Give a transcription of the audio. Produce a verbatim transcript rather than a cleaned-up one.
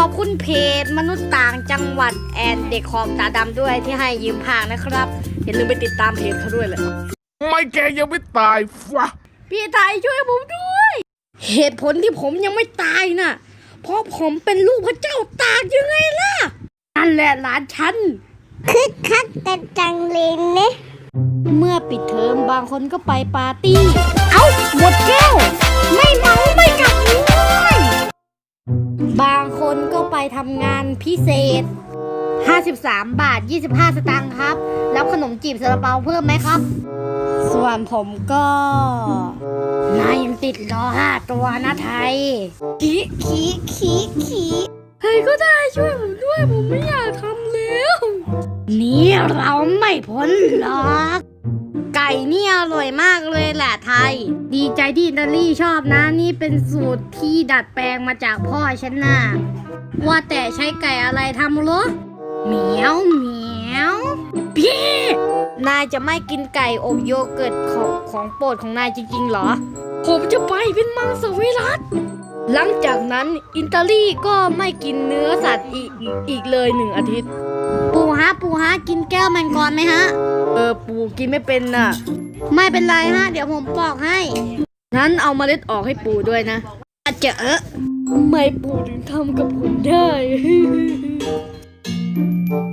อบคุณเพจมนุษย์ต่างจังหวัดแอนเด็กขอบตาดำด้วยที่ให้ยืมพากนะครับอย่าลืมไปติดตามเพจเขาด้วยเลยไม่แกยังไม่ตายฟะพี่ไทยช่วยผมด้วยเหตุผลที่ผมยังไม่ตายน่ะเพราะผมเป็นลูกพระเจ้าตากยังไงล่ะนั่นแหละหลานฉันคึกคักกันจังเลยเนี่ยเมื่อปิดเทอมบางคนก็ไปปาร์ตี้เอ้าหมดแก้วไม่เมาไม่กลับเลยบางคนก็ไปทำงานพิเศษห้าสิบสามบาทยี่สิบห้าสตางค์ครับแล้วขนมจีบซาลาเปาเพิ่มไหมครับส่วนผมก็นายยังติดล้อห้าตัวนะไทยขี้ขี้ขี้ขี้ใครก็ได้ช่วยผมด้วยผมไม่อยากทำแล้วนี่เราไม่พ้นหรอกไก่นี่อร่อยมากเลยแหละไทยดีใจที่อิตาลีชอบนะนี่เป็นสูตรที่ดัดแปลงมาจากพ่อฉันน่ะว่าแต่ใช้ไก่อะไรทำหรอเหมียวเหมียวพี่นายจะไม่กินไก่อบโยเกิร์ตของของโปรดของนายจริงๆเหรอผมจะไปเป็นมังสวิรัติหลังจากนั้นอิตาลีก็ไม่กินเนื้อสัตว์อีกอีกเลยหนึ่งอาทิตย์ปูฮะปูฮะกินแก้วมังกรไหมฮะเออปูกินไม่เป็นน่ะไม่เป็นไรฮะเดี๋ยวผมปอกให้งั้นเอาเมล็ดออกให้ปูด้วยนะอาจจะเออทำไมปูถึงทำกับผมได้